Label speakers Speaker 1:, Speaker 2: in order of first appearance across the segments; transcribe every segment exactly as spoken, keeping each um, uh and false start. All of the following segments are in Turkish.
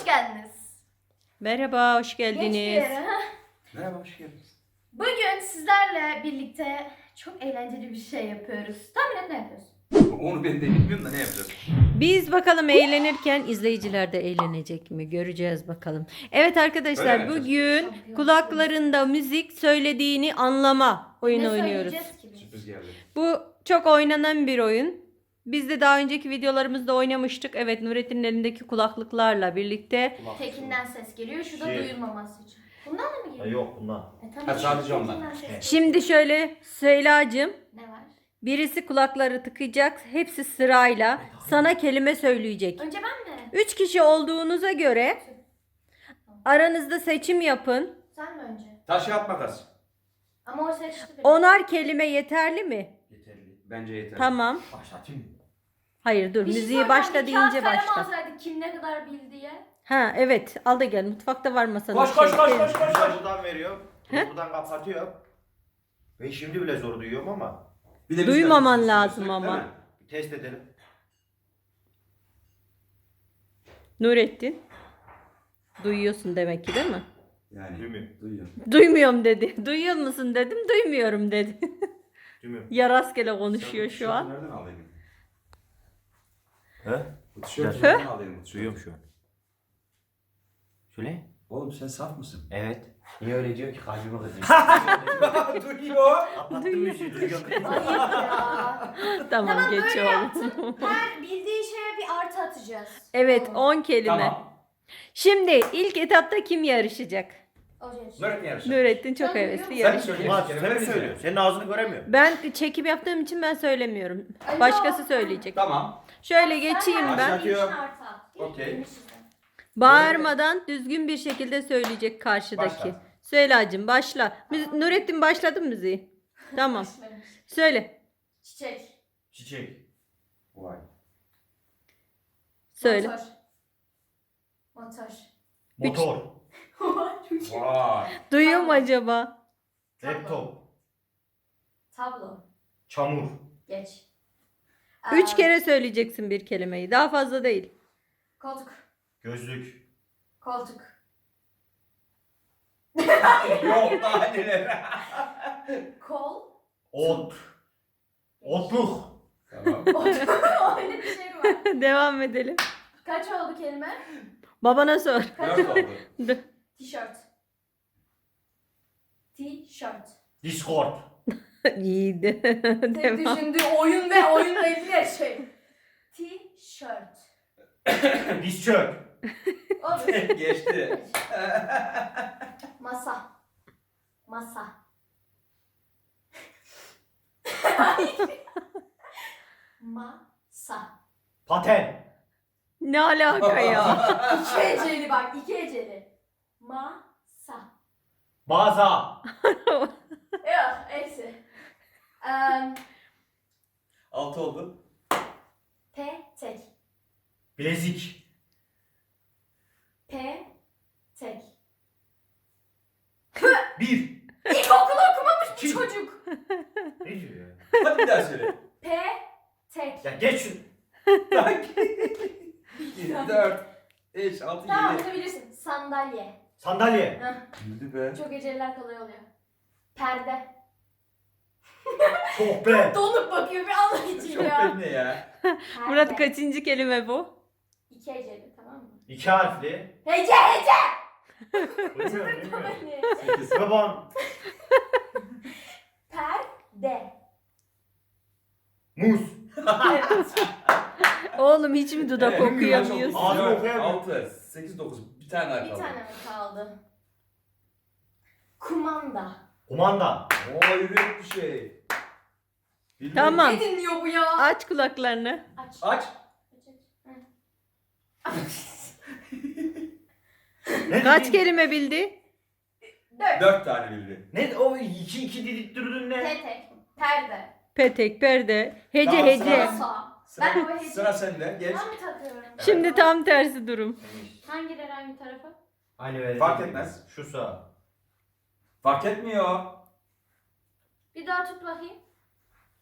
Speaker 1: geldiniz.
Speaker 2: Merhaba, hoş
Speaker 1: Geç bir
Speaker 2: geldiniz.
Speaker 1: yere. ha?
Speaker 3: Merhaba, hoş geldiniz.
Speaker 1: Bugün sizlerle birlikte çok eğlenceli bir şey yapıyoruz. Tahmin et ne yapıyoruz?
Speaker 3: Onu ben de bilmiyorum da ne yapacağız?
Speaker 2: Biz bakalım eğlenirken izleyiciler de eğlenecek mi? Göreceğiz bakalım. Evet arkadaşlar,
Speaker 3: Öyle mi
Speaker 2: bugün kulaklarında müzik söylediğini anlama oyunu
Speaker 1: Ne
Speaker 2: oynuyoruz.
Speaker 1: söyleyeceğiz ki biz?
Speaker 3: Sürpriz geldi.
Speaker 2: Bu çok oynanan bir oyun. Biz de daha önceki videolarımızda oynamıştık. Evet, Nurettin'in elindeki kulaklıklarla birlikte.
Speaker 1: Tekinden ses geliyor. Şu da
Speaker 4: Şey-
Speaker 1: duyulmaması için. Bundan da mı
Speaker 4: Ha,
Speaker 1: geliyor?
Speaker 4: yok bundan.
Speaker 1: E, tamam,
Speaker 3: Ha,
Speaker 1: işte
Speaker 3: sadece
Speaker 1: tekinden
Speaker 3: ondan.
Speaker 1: ses geliyor.
Speaker 2: Şimdi şöyle Süheyla'cığım,
Speaker 1: Ne var?
Speaker 2: birisi kulakları tıkayacak. Hepsi sırayla sana kelime söyleyecek.
Speaker 1: Önce ben mi?
Speaker 2: Üç kişi olduğunuza göre aranızda seçim yapın.
Speaker 1: Sen mi önce?
Speaker 3: Taş kağıt makas.
Speaker 1: Ama o seçti beni.
Speaker 2: Onar kelime yeterli mi?
Speaker 4: Yeterli.
Speaker 3: Bence yeter.
Speaker 2: Tamam.
Speaker 4: Başlatayım mı?
Speaker 2: Hayır dur,
Speaker 1: Bir şey
Speaker 2: müziği
Speaker 1: soracağım,
Speaker 2: başla
Speaker 1: bir kağıt
Speaker 2: deyince
Speaker 1: kalem
Speaker 2: başla.
Speaker 1: alsaydık kim ne kadar bildiye.
Speaker 2: Ha evet, al da gel, mutfakta var masanın.
Speaker 3: Koş, koş,
Speaker 2: şey.
Speaker 3: koş, koş, koş,
Speaker 4: Buradan
Speaker 3: koş.
Speaker 4: buradan veriyor.
Speaker 2: He?
Speaker 4: Buradan kapatıyor. Ben şimdi bile zor duyuyorum ama.
Speaker 3: Bir de biz
Speaker 2: Duymaman
Speaker 3: de-
Speaker 2: lazım
Speaker 3: Değil
Speaker 2: ama.
Speaker 3: mi?
Speaker 4: Bir test edelim.
Speaker 2: Nurettin. Duyuyorsun demek ki, değil mi?
Speaker 3: Yani
Speaker 4: Duymuyorum.
Speaker 3: duyuyorum.
Speaker 2: Duymuyorum dedi. Duyuyor musun dedim, duymuyorum dedi.
Speaker 4: Duymuyorum.
Speaker 2: Ya rastgele
Speaker 3: Sen
Speaker 2: konuşuyor
Speaker 3: bu
Speaker 2: şu
Speaker 3: tişörtü
Speaker 2: an.
Speaker 3: Nereden alayım?
Speaker 4: He?
Speaker 3: Bu tişörtü
Speaker 4: He?
Speaker 3: nereden alayım? bu tişörtü?
Speaker 4: Duyuyorum şu an. Şöyle?
Speaker 3: Oğlum sen saf mısın?
Speaker 4: Evet. Niye öyle diyor ki kalbime kızıyor.
Speaker 3: Duyuyor.
Speaker 4: Kapattım müziği duyuyorum.
Speaker 1: Ayıp ya.
Speaker 2: Tamam,
Speaker 1: Tamam,
Speaker 2: geç
Speaker 1: böyle
Speaker 2: oğlum.
Speaker 1: yaptım. Her bildiği şeye bir artı atacağız.
Speaker 2: Evet,
Speaker 1: Tamam.
Speaker 2: on kelime.
Speaker 3: Tamam.
Speaker 2: Şimdi ilk etapta kim yarışacak?
Speaker 1: O şey.
Speaker 3: Nurettin yarışır.
Speaker 2: Nurettin çok
Speaker 1: Ben
Speaker 2: hevesli
Speaker 1: duyuyorum.
Speaker 3: Sen
Speaker 2: yarış.
Speaker 3: söyle.
Speaker 4: Ulan
Speaker 3: Kelime
Speaker 4: sen mi
Speaker 3: verin
Speaker 4: söylüyorsun?
Speaker 3: ya.
Speaker 4: Senin ağzını göremiyorum.
Speaker 2: Ben çekim yaptığım için ben söylemiyorum.
Speaker 1: Alo.
Speaker 2: Başkası söyleyecek.
Speaker 3: Tamam.
Speaker 2: Şöyle geçeyim ben.
Speaker 3: Başlatıyorum.
Speaker 1: Okey.
Speaker 3: Okey.
Speaker 2: Bağırmadan düzgün bir şekilde söyleyecek karşıdaki.
Speaker 3: Başla.
Speaker 2: Süheyla'cığım başla. Müzi- Nurettin başladı mı müziği? Tamam. Söyle.
Speaker 1: Çiçek.
Speaker 4: Çiçek.
Speaker 3: Vay.
Speaker 2: Söyle.
Speaker 1: Motor. Motor.
Speaker 4: Motor.
Speaker 3: Vay.
Speaker 2: Duyuyor mu acaba?
Speaker 4: Laptop.
Speaker 1: Tablo.
Speaker 4: Çamur.
Speaker 1: Geç.
Speaker 2: Üç
Speaker 1: Ee,
Speaker 2: kere söyleyeceksin bir kelimeyi. Daha fazla değil.
Speaker 1: Koltuk.
Speaker 4: Gözlük.
Speaker 1: Koltuk.
Speaker 3: Yok daha neler.
Speaker 1: Kol.
Speaker 4: Ot. Otluk.
Speaker 3: Tamam.
Speaker 1: Öyle bir şey var.
Speaker 2: Devam edelim.
Speaker 1: Kaç oldu kelime?
Speaker 2: Babana sor.
Speaker 1: Kaç
Speaker 3: Dört
Speaker 1: oldu?
Speaker 3: oldu.
Speaker 1: Tişört. Tişört.
Speaker 4: Discord.
Speaker 2: İyiydi.
Speaker 1: Tek
Speaker 2: Devam.
Speaker 1: düşündüğü oyun ve oyunla ilgili şey. Tişört.
Speaker 4: Diz çök.
Speaker 1: Olur.
Speaker 3: Geçti.
Speaker 1: Masa. Masa. Masa.
Speaker 4: Paten.
Speaker 2: Ne alaka ya?
Speaker 1: İki heceli bak, iki heceli. Masa.
Speaker 4: Baza.
Speaker 1: Yok, neyse. Um,
Speaker 3: Altı oldu.
Speaker 1: petek.
Speaker 4: Bilezik.
Speaker 1: Petek.
Speaker 4: Bir.
Speaker 1: İlkokulu okumamış bu
Speaker 4: Kim?
Speaker 1: çocuk.
Speaker 4: Ne diyor ya?
Speaker 3: Hadi bir daha söyle.
Speaker 1: Petek.
Speaker 4: Ya geç şunu.
Speaker 3: Dört. Beş, altı,
Speaker 1: Tamam,
Speaker 3: yedi.
Speaker 1: bunu bilirsin. Sandalye.
Speaker 4: Sandalye.
Speaker 1: Heh,
Speaker 3: Bildi be.
Speaker 1: çok heceliler kolay oluyor. Perde.
Speaker 4: Sohbet.
Speaker 1: Donup bakıyor bir Allah için
Speaker 3: Çok
Speaker 1: ya.
Speaker 3: belli ya.
Speaker 1: Perde.
Speaker 2: Murat kaçıncı kelime bu?
Speaker 1: İki heceli, tamam mı?
Speaker 4: İki harfli.
Speaker 1: Hece hece.
Speaker 4: Bilmiyorum, bilmiyorum.
Speaker 3: Sekiz.
Speaker 4: Babam.
Speaker 1: Perde.
Speaker 4: Muz.
Speaker 1: Evet.
Speaker 2: Oğlum hiç mi dudak
Speaker 3: Evet, kaç oldu?
Speaker 2: okuyamıyorsun?
Speaker 4: Ağzını
Speaker 3: Dört,
Speaker 4: okuyamıyorum.
Speaker 3: Altı, sekiz, dokuz. Bir tane daha
Speaker 1: Bir
Speaker 3: kaldı.
Speaker 1: tane mi kaldı? Kumanda.
Speaker 4: Kumanda.
Speaker 3: Oo yürüyüp bir şey. Bildin.
Speaker 2: Tamam.
Speaker 1: Ne dinliyor bu ya?
Speaker 2: Aç kulaklarını.
Speaker 1: Aç.
Speaker 3: Aç.
Speaker 1: Aç, aç. Hı.
Speaker 4: Ne
Speaker 2: Kaç
Speaker 4: dedin?
Speaker 2: kelime bildi?
Speaker 1: Dört.
Speaker 3: Dört tane bildi.
Speaker 4: Ne o iki iki dedik durdun ne?
Speaker 1: Petek. Perde.
Speaker 2: Petek, perde, hece
Speaker 3: Tamam,
Speaker 2: hece.
Speaker 1: Masa. Ben
Speaker 3: Sıra,
Speaker 1: o hece.
Speaker 3: sıra sende. Geç.
Speaker 1: Ben mi takıyorum?
Speaker 2: Şimdi tam tersi durum.
Speaker 1: Hangileri hangi tarafa?
Speaker 4: Aynı verdi.
Speaker 3: Fark etmez.
Speaker 4: Şu sağ.
Speaker 3: Fark etmiyor.
Speaker 1: Bir daha tut bakayım.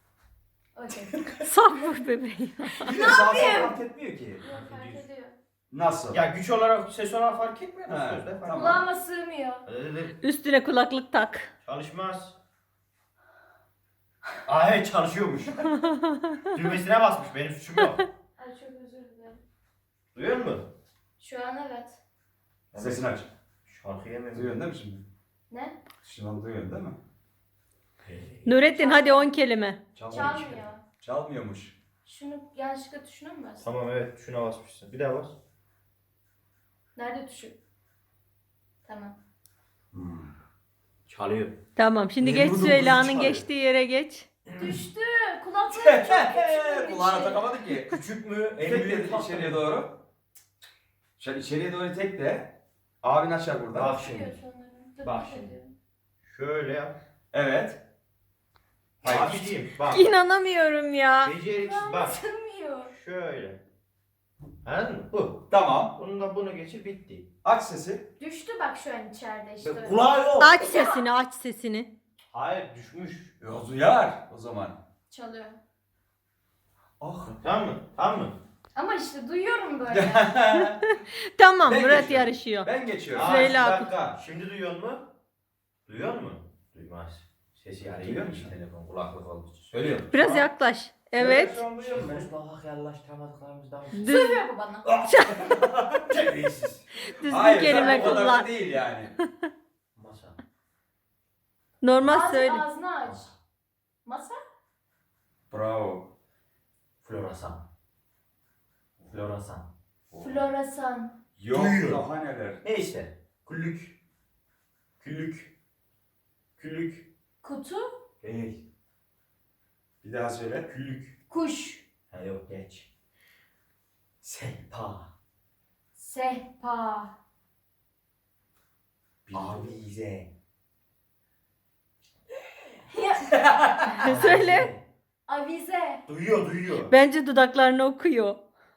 Speaker 1: Okey.
Speaker 2: Saf vur bebeği.
Speaker 3: Bir de sağ sol fark etmiyor ki.
Speaker 1: Yok, fark ediyor.
Speaker 3: Nasıl?
Speaker 4: Ya güç olarak, ses olarak fark etmiyor mu
Speaker 3: He,
Speaker 4: sözde? Fark
Speaker 3: tamam.
Speaker 1: Kulağıma sığmıyor.
Speaker 4: ediyor.
Speaker 2: Üstüne kulaklık tak.
Speaker 4: Çalışmaz. Aa evet çalışıyormuş. Düğmesine basmış, benim suçum yok.
Speaker 1: Ay çok özür dilerim.
Speaker 4: Duyuyor musun?
Speaker 1: Şu an evet.
Speaker 3: Sesini aç.
Speaker 4: Şarkıya mı?
Speaker 3: Duyuyorsun değil mi şimdi?
Speaker 1: Ne?
Speaker 3: Şu an duyuyorsun değil mi?
Speaker 2: Nurettin hadi on kelime.
Speaker 3: Çalmıyormuş.
Speaker 1: Çalmıyor.
Speaker 3: Çalmıyormuş.
Speaker 1: Şunu yanlışlıkla tuşuna mı bastın?
Speaker 4: Tamam evet, şuna basmışsın. Bir daha bas.
Speaker 1: Nerede tuşu? Tamam.
Speaker 3: Hmm.
Speaker 4: Çalıyor.
Speaker 2: Tamam şimdi
Speaker 4: Ne
Speaker 2: geç
Speaker 4: vurdun,
Speaker 2: Süheyla'nın
Speaker 4: kızı çağırıyor.
Speaker 2: geçtiği yere geç.
Speaker 1: Düştü. Kulaklarım çok küçük.
Speaker 3: Kulağına takamadık ki.
Speaker 4: Küçük mü? En
Speaker 3: Tek
Speaker 4: büyük
Speaker 3: dedi
Speaker 4: tatlı
Speaker 3: içeriye
Speaker 4: mı?
Speaker 3: doğru. Şöyle içeriye doğru tek de. Abin açar burada.
Speaker 4: Bak şimdi. Bak şimdi. Şöyle yap.
Speaker 3: Evet.
Speaker 4: Abiciğim bak.
Speaker 2: İnanamıyorum ya.
Speaker 4: Beceriksiz bak.
Speaker 1: Sığmıyor.
Speaker 4: Şöyle. Anladın mı? Bu.
Speaker 3: Tamam.
Speaker 4: Bunu da bunu geçir bitti.
Speaker 3: Aç sesi.
Speaker 1: Düştü bak şu an içeride işte.
Speaker 4: Kulağı yok.
Speaker 2: Aç sesini aç sesini.
Speaker 4: Hayır düşmüş.
Speaker 3: Ya duyar o zaman.
Speaker 1: Çalıyor.
Speaker 3: Ah.
Speaker 4: Tamam mı? Tamam mı?
Speaker 1: Ama işte duyuyorum böyle.
Speaker 2: Tamam
Speaker 3: Ben
Speaker 2: Murat
Speaker 3: geçiyorum.
Speaker 2: yarışıyor.
Speaker 3: Ben geçiyorum.
Speaker 4: Aa,
Speaker 2: Söyle
Speaker 4: bir
Speaker 2: abi.
Speaker 4: dakika. Şimdi duyuyor mu? Duyuyor mu? Duymaz. Sesi yani
Speaker 3: Duyuyor musun?
Speaker 4: telefon kulaklık olduğu için.
Speaker 3: Söylüyorum.
Speaker 2: Biraz yaklaş. Evet.
Speaker 3: Şu an duyuyor musun?
Speaker 4: Biz bak yaklaştıramadıklarımızdan.
Speaker 2: Düz,
Speaker 1: Sığmıyor bu bana.
Speaker 4: Terbiyesiz.
Speaker 2: düzgün
Speaker 3: Hayır,
Speaker 2: kelime
Speaker 3: zaten o kadar
Speaker 2: kullan.
Speaker 3: da değil yani.
Speaker 4: Masa.
Speaker 2: Normal
Speaker 1: Ağzı,
Speaker 2: söyle.
Speaker 1: ağzını aç. Masa?
Speaker 3: Bravo.
Speaker 4: Florasan. Florasan.
Speaker 1: Floresan.
Speaker 3: Yok
Speaker 4: Duyuyor.
Speaker 3: daha neler.
Speaker 4: Neyse. Küllük. Küllük. Küllük.
Speaker 1: Kutu.
Speaker 4: Değil.
Speaker 3: Bir daha söyle.
Speaker 4: Küllük.
Speaker 1: Kuş.
Speaker 4: Ha yok geç. Sehpa.
Speaker 1: Sehpa.
Speaker 4: Avize.
Speaker 1: Ya,
Speaker 2: Söyle.
Speaker 1: avize.
Speaker 4: Duyuyor duyuyor.
Speaker 2: Bence dudaklarını okuyor.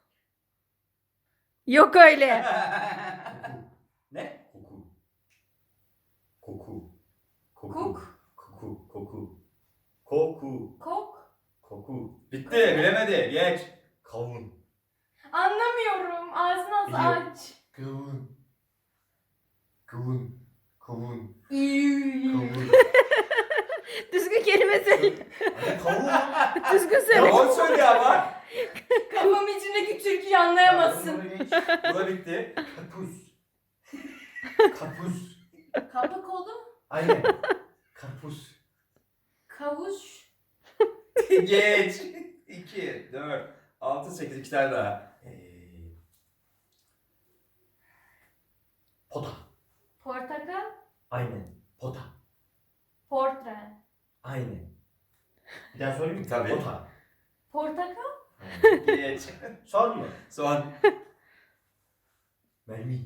Speaker 2: Yok öyle.
Speaker 3: Ne?
Speaker 4: Koku. Koku. Koku.
Speaker 1: Kuk.
Speaker 4: Koku. Koku. Koku.
Speaker 1: Kok.
Speaker 4: Koku.
Speaker 3: Bitti. Bilemedi. Geç.
Speaker 4: Kavun.
Speaker 1: Anlamıyorum. Ağzını az
Speaker 4: Biliyorum.
Speaker 1: aç.
Speaker 4: Kavun. Kavun. Kavun.
Speaker 1: İyi.
Speaker 4: Kavun.
Speaker 2: Düzgün kelime söyle.
Speaker 4: Hani kavun.
Speaker 2: Düzgün
Speaker 3: Ya
Speaker 2: söyle.
Speaker 3: o söylüyor ama.
Speaker 1: Kafam içindeki türküyü anlayamazsın.
Speaker 4: Bunu geç.
Speaker 3: Bu da bitti.
Speaker 4: Karpuz. Karpuz.
Speaker 1: Kapı kolu.
Speaker 4: Aynen. Karpuz.
Speaker 1: Kavuş.
Speaker 3: Geç. iki, dört, altı, sekiz. iki tane daha.
Speaker 4: Ee, pota.
Speaker 1: Portakal.
Speaker 4: Aynen. Pota.
Speaker 1: Portre.
Speaker 4: Aynen. Bir daha söyleyeyim mi?
Speaker 3: Tabii.
Speaker 4: Pota.
Speaker 1: Portakal.
Speaker 3: Geç.
Speaker 4: Son mu?
Speaker 3: Son.
Speaker 4: Mermi.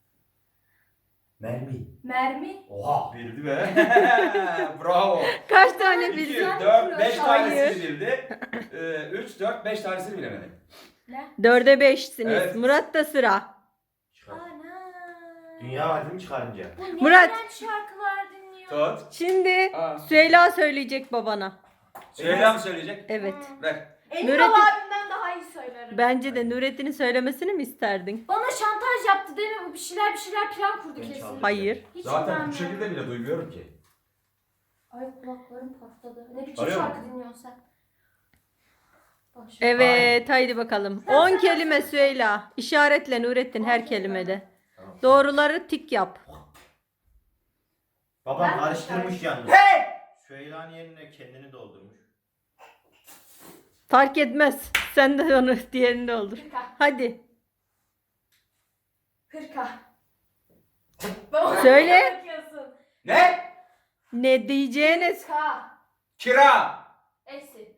Speaker 4: Mermi.
Speaker 1: Mermi.
Speaker 4: Oha.
Speaker 3: Bildi be. Bravo.
Speaker 2: Kaç tane
Speaker 3: iki,
Speaker 2: bildin?
Speaker 3: dört, beş
Speaker 2: Hayır.
Speaker 3: tanesini bildi. Ee, üç, dört, beş tanesini bilemedi.
Speaker 1: Ne?
Speaker 2: Dörde beşsiniz.
Speaker 3: Evet.
Speaker 2: Murat da sıra.
Speaker 4: Çıkar.
Speaker 1: Ana.
Speaker 4: Dünya var değil mi çıkarınca?
Speaker 1: Bu ne
Speaker 2: Murat.
Speaker 1: iğrenç şarkılar dinliyor.
Speaker 3: Tut.
Speaker 2: Şimdi
Speaker 3: Aa.
Speaker 2: Süheyla söyleyecek babana.
Speaker 3: Süheyla mı söyleyecek?
Speaker 2: Evet.
Speaker 1: Hmm.
Speaker 3: Ver.
Speaker 1: Emin
Speaker 2: Nurettin-
Speaker 1: ol abimden daha iyi söylerim.
Speaker 2: Bence de Nurettin'in söylemesini mi isterdin?
Speaker 1: Bana şantaj yaptı değil mi? Bu bir şeyler bir şeyler plan kurdu
Speaker 4: Ben
Speaker 1: kesin.
Speaker 4: çaldım.
Speaker 2: Hayır.
Speaker 1: Hiç
Speaker 3: Zaten bu
Speaker 1: inanmıyorum.
Speaker 3: şekilde bile duymuyorum ki.
Speaker 1: Ay kulaklarım patladı. Ne biçim
Speaker 3: Arıyor mu?
Speaker 1: şarkı dinliyorsun sen? Boş ver.
Speaker 2: Evet haydi bakalım. on kelime Süheyla. İşaretle Nurettin her kelimede.
Speaker 4: Tamam.
Speaker 2: Doğruları tik yap.
Speaker 4: Babam
Speaker 1: Ben-
Speaker 4: karıştırmış yalnız.
Speaker 3: Hey!
Speaker 4: Süheyla'nın yerine kendini doldurmuş.
Speaker 2: Fark etmez. Sen de onu diğerini doldur.
Speaker 1: Hırka.
Speaker 2: Hadi.
Speaker 1: Hırka. Bana
Speaker 2: Söyle.
Speaker 1: bakıyorsun.
Speaker 3: Ne?
Speaker 2: Ne diyeceğiniz?
Speaker 1: Hırka.
Speaker 3: Kira.
Speaker 1: Eksi.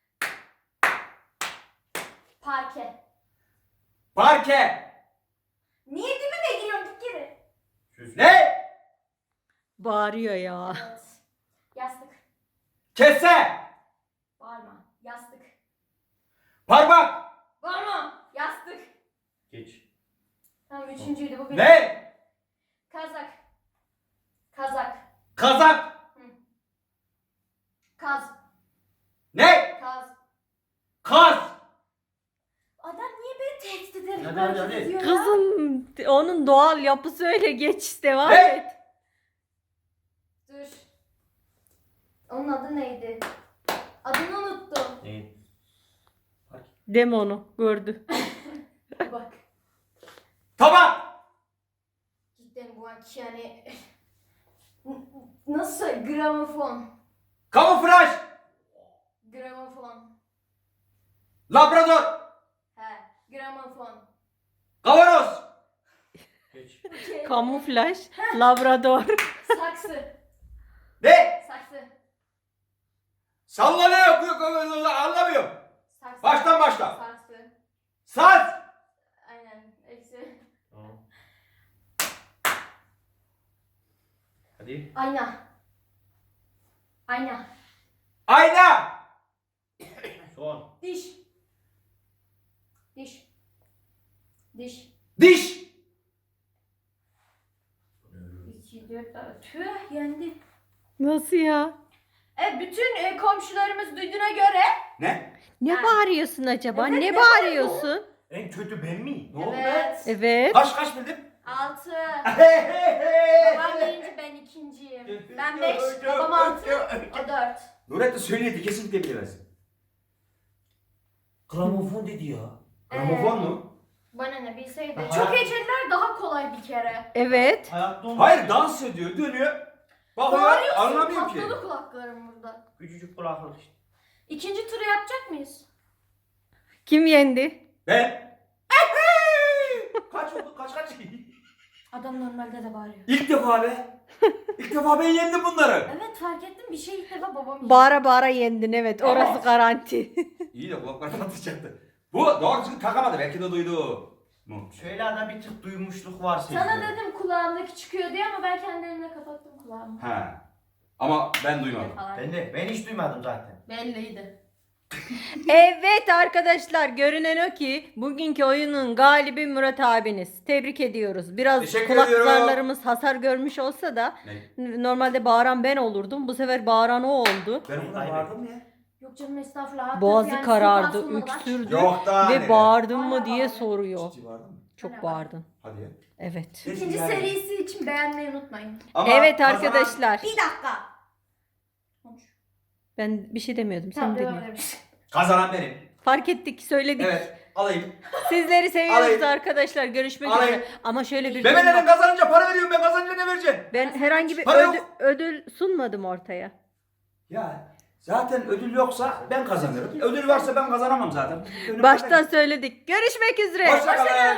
Speaker 1: Parke.
Speaker 3: Parke.
Speaker 1: Niye dibime giriyorsun? Git geri.
Speaker 4: Süs.
Speaker 3: Ne?
Speaker 2: Bağırıyor ya.
Speaker 1: Evet. Yastık.
Speaker 3: Kese.
Speaker 1: Bağırma. Yastık.
Speaker 3: Parmak.
Speaker 1: Bağırma. Yastık.
Speaker 4: Geç.
Speaker 1: Tamam üçüncüydü bu benim.
Speaker 3: Ne?
Speaker 1: Kazak. Kazak.
Speaker 3: Kazak.
Speaker 1: Kaz.
Speaker 3: Ne?
Speaker 1: Kaz.
Speaker 3: Kaz.
Speaker 1: Adam niye beni tehdit eder?
Speaker 4: Ya Hadi hadi hadi.
Speaker 1: ediyor ya.
Speaker 2: Kızım onun doğal yapısı öyle, geç devam
Speaker 3: Ne?
Speaker 2: et.
Speaker 1: Dur. Onun adı neydi? Adını unuttum.
Speaker 4: Ne?
Speaker 2: Deme onu, gördü.
Speaker 1: Bak.
Speaker 3: Tamam.
Speaker 1: Cidden bu anki yani... Nasıl? Gramofon.
Speaker 3: Kamuflaj.
Speaker 1: Gramofon.
Speaker 3: Labrador.
Speaker 1: He. Gramofon.
Speaker 3: Kavanoz.
Speaker 4: Geç.
Speaker 1: Okey.
Speaker 2: Kamuflaj, labrador.
Speaker 1: Saksı.
Speaker 3: Ne?
Speaker 1: Saksı.
Speaker 3: Sallanıyor. Anlamıyorum.
Speaker 1: Saksı.
Speaker 3: Baştan başla.
Speaker 1: Saksı.
Speaker 3: Saz.
Speaker 1: Aynen. Eksi.
Speaker 4: Tamam. Hadi.
Speaker 1: Ayna. Ayna.
Speaker 3: Ayna.
Speaker 4: Son.
Speaker 1: Diş. Diş. Diş.
Speaker 3: Diş.
Speaker 1: İki, dört, dört. Tüh yendi.
Speaker 2: Nasıl ya?
Speaker 1: Evet bütün e, komşularımız duyduğuna göre.
Speaker 3: Ne?
Speaker 2: Ne
Speaker 1: Ha.
Speaker 2: bağırıyorsun acaba?
Speaker 1: Evet,
Speaker 2: ne
Speaker 1: ne
Speaker 2: bağırıyorsun?
Speaker 4: En kötü ben mi?
Speaker 3: Ne oldu be?
Speaker 1: Evet.
Speaker 2: Evet.
Speaker 3: Kaç kaç bildim?
Speaker 1: Altı.
Speaker 3: Hey hey hey.
Speaker 1: Babam birinci, ben ikinciyim. Ben beş, babam altı, o dört.
Speaker 3: Nurettin söyledi kesinlikle bilemez.
Speaker 4: Gramofon dedi ya.
Speaker 3: Gramofon mu?
Speaker 1: Bana ne bilseydi.
Speaker 4: Aha.
Speaker 1: Çok heceliler daha kolay bir kere.
Speaker 2: Evet.
Speaker 4: Hayatta olmaz.
Speaker 3: Hayır dans ediyor dönüyor. Bakıyor
Speaker 1: Bağırıyorsun,
Speaker 3: anlamıyorum ki.
Speaker 1: patladı kulaklarım burada.
Speaker 4: Küçücük kulaklık işte.
Speaker 1: İkinci turu yapacak mıyız?
Speaker 2: Kim yendi?
Speaker 3: Ben. Kaç oldu kaç kaç?
Speaker 1: Adam normalde de bağırıyor.
Speaker 3: İlk defa be. İlk defa ben yendim bunları.
Speaker 1: Evet fark ettim bir şey ilk defa babam yiyor.
Speaker 2: Bağıra bağıra yendin, evet. Orası
Speaker 1: Evet.
Speaker 2: garanti.
Speaker 3: İyi de kulaklarını atacaktı. Bu doğru düzgün takamadı belki de duydu. Mu?
Speaker 4: Şöyle de bir tık duymuşluk var senin.
Speaker 1: Sana dedim kulağımdaki çıkıyor diye ama ben kendi elimle kapattım kulağımı.
Speaker 3: Ha. Ama ben duymadım.
Speaker 1: Falan.
Speaker 4: Ben de ben hiç duymadım zaten.
Speaker 1: Belliydi.
Speaker 2: Evet arkadaşlar, görünen o ki bugünkü oyunun galibi Murat abiniz. Tebrik ediyoruz. Biraz
Speaker 3: Teşekkür
Speaker 2: kulak
Speaker 3: ediyorum.
Speaker 2: zarlarımız hasar görmüş olsa da
Speaker 3: Ne?
Speaker 2: normalde bağıran ben olurdum. Bu sefer bağıran o oldu.
Speaker 3: Ben o kadar bağırdım mı ya?
Speaker 1: Yok canım estağfurullah.
Speaker 2: Boğazı
Speaker 1: Yani
Speaker 2: karardı,
Speaker 1: sultan sonuna kadar.
Speaker 2: öksürdü
Speaker 3: Yok daha
Speaker 2: ve
Speaker 3: ne?
Speaker 2: bağırdın
Speaker 1: Hala
Speaker 2: mı diye
Speaker 1: bağırıyor.
Speaker 2: soruyor.
Speaker 3: Ciddi bağırdın mı?
Speaker 2: Çok
Speaker 1: Hala
Speaker 2: bağırdın.
Speaker 3: Hadi ya.
Speaker 2: Evet.
Speaker 1: İkinci
Speaker 3: Yani.
Speaker 1: serisi için beğenmeyi unutmayın.
Speaker 3: Ama
Speaker 2: Evet
Speaker 3: kazanan-
Speaker 2: arkadaşlar.
Speaker 1: Bir dakika. Konuş.
Speaker 2: Ben bir şey demiyordum. Sen
Speaker 1: Tamam devam
Speaker 2: dedin.
Speaker 1: edelim.
Speaker 3: Kazanan benim.
Speaker 2: Fark ettik, söyledik.
Speaker 3: Evet. Alayım.
Speaker 2: Sizleri seviyoruz
Speaker 3: Alayım.
Speaker 2: arkadaşlar. Görüşmek
Speaker 3: Alayım.
Speaker 2: üzere. Ama şöyle bir
Speaker 3: Memelerin kazanınca para veriyorum ben kazanınca ne vereceksin?
Speaker 2: ben herhangi bir
Speaker 3: Para
Speaker 2: ödül,
Speaker 3: yok.
Speaker 2: ödül sunmadım ortaya.
Speaker 3: Ya zaten ödül yoksa ben kazanırım. Ödül varsa ben kazanamam zaten. Önüme
Speaker 2: Baştan
Speaker 3: koyarım.
Speaker 2: söyledik. Görüşmek üzere.
Speaker 3: Hoşça kalın.